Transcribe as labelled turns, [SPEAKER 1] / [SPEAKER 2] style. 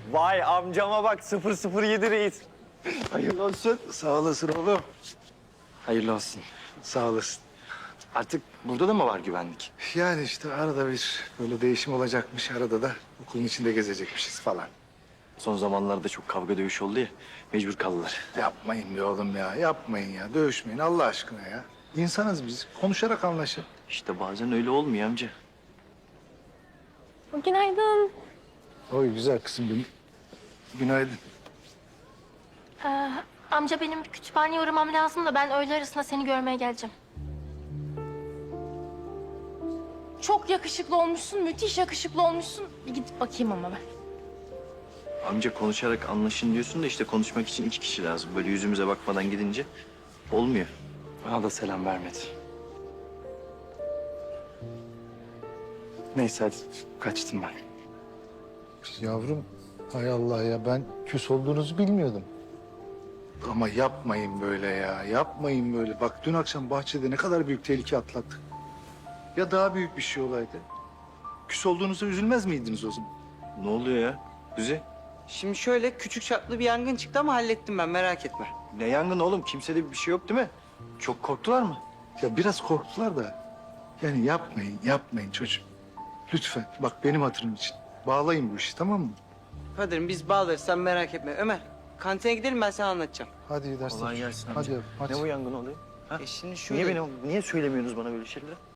[SPEAKER 1] Vay amcama bak 007 reis.
[SPEAKER 2] Hayırlı olsun. Sağ olasın oğlum.
[SPEAKER 3] Hayırlı olsun.
[SPEAKER 2] Sağ olasın.
[SPEAKER 3] Artık burada da mı var güvenlik?
[SPEAKER 2] Yani işte arada bir böyle değişim olacakmış. Arada da okulun içinde gezecekmişiz falan.
[SPEAKER 3] Son zamanlarda çok kavga dövüş oldu ya. Mecbur kaldılar.
[SPEAKER 2] Yapmayın be oğlum ya. Yapmayın ya. Dövüşmeyin Allah aşkına ya. İnsanız biz. Konuşarak anlaşın.
[SPEAKER 3] İşte bazen öyle olmuyor amca.
[SPEAKER 4] Günaydın.
[SPEAKER 2] Oy güzel kızım benim. Günaydın.
[SPEAKER 4] Amca benim bir kütüphaneye uğramam lazım da ben öğle arasında seni görmeye geleceğim. Çok yakışıklı olmuşsun, müthiş yakışıklı olmuşsun. Bir gidip bakayım ama ben.
[SPEAKER 3] Amca konuşarak anlaşın diyorsun da işte konuşmak için 2 kişi lazım. Böyle yüzümüze bakmadan gidince olmuyor. Bana da selam vermedi. Neyse hadi kaçtım ben.
[SPEAKER 2] Yavrum hay Allah ya ben küs olduğunuzu bilmiyordum. Ama yapmayın böyle ya. Yapmayın böyle. Bak dün akşam bahçede ne kadar büyük tehlike atlattık. Ya daha büyük bir şey olaydı. Küs olduğunuza üzülmez miydiniz o zaman?
[SPEAKER 3] Ne oluyor ya? Kuzi?
[SPEAKER 5] Şimdi şöyle küçük çaplı bir yangın çıktı ama hallettim ben merak etme.
[SPEAKER 3] Ne yangın oğlum? Kimsede bir şey yok değil mi? Çok korktular mı?
[SPEAKER 2] Ya biraz korktular da. Yani yapmayın çocuğum. Lütfen bak benim hatırım için. Bağlayın bu işi tamam mı?
[SPEAKER 5] Kadir'im biz bağlarız sen merak etme. Ömer kantine gidelim ben sana anlatacağım.
[SPEAKER 2] Hadi iyi dersler.
[SPEAKER 3] Kolay gelsin amca.
[SPEAKER 2] Hadi yavrum, hadi.
[SPEAKER 3] Ne bu yangın oluyor? Ha?
[SPEAKER 5] Şimdi şöyle...
[SPEAKER 3] Niye söylemiyorsunuz bana böyle şeyleri?